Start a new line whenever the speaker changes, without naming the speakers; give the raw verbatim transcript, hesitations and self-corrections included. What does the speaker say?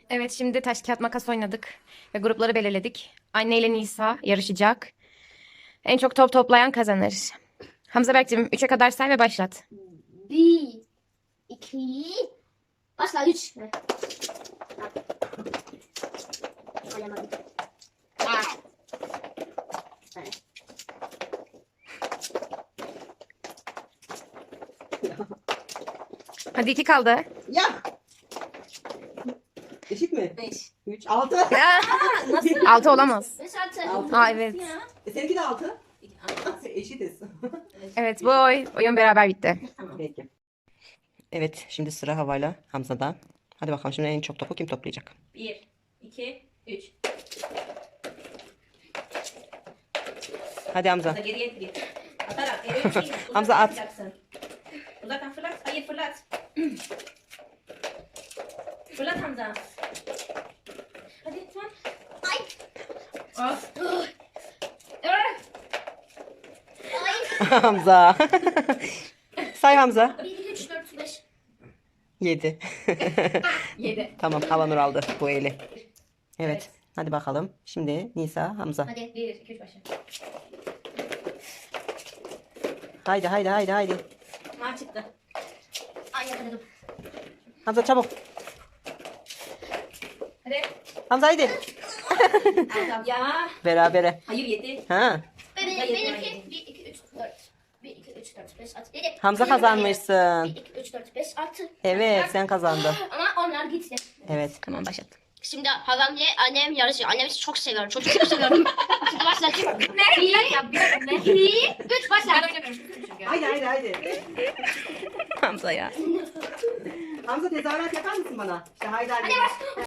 Evet, şimdi taş kağıt makas oynadık ve grupları belirledik. Anne ile Nisa yarışacak. En çok top toplayan kazanır. Hamza Berk'cim üçe kadar say ve başlat.
Bir, iki, başla üç. Alamadım. Ah. Evet.
Hadi iki kaldı.
Ya. Eşit mi?
Beş.
üç, altı.
Nasıl?
Altı olamaz.
Beş altı.
Altı.
Aa, evet.
E, seninki de altı. Eşitiz.
Evet, bu oy, oyun beraber bitti.
Peki. Evet, şimdi sıra Hava'yla Hamza'da. Hadi bakalım şimdi en çok topu kim toplayacak?
Bir, iki, üç.
Hadi Hamza.
Hamza geriye git. Atarak geriye değil.
Hamza at.
Uzaktan Uzaktan fırlat. Hayır fırlat. Fırlat Hamza. Hadi lütfen.
Ay.
Of.
Hamza. Say Hamza.
Bir, iki, üç, dört, beş.
yedi.
Yedi.
Tamam, Havanur aldı bu eli. Evet. Hadi bakalım. Şimdi Nisa, Hamza.
Hadi bir, iki, üç başla.
Haydi haydi haydi haydi.
Maç çıktı.
Ay yakaladım.
Hamza çabuk.
Hadi.
Hamza haydi.
Tamam. Ya.
Berabere.
Hayır yedi.
Ha.
Benim,
Hayır,
benimki
hayır.
bir, iki, üç, dört. Bir, iki, üç, dört, beş, altı, yedi.
Hamza
Benim
kazanmışsın.
Bir, iki, üç, dört, beş, altı.
Evet, sen kazandın.
Ama onlar gitti.
Evet.
Tamam, başlat.
Şimdi halamla annem yarışıyor. Annemi çok seviyorum. Çocuk çok seviyorum. Şimdi başlayalım. Ne? Bir, iki, üç başla.
Haydi haydi haydi.
Hamza ya.
Hamza tezahürat yapar mısın bana? İşte haydi haydi.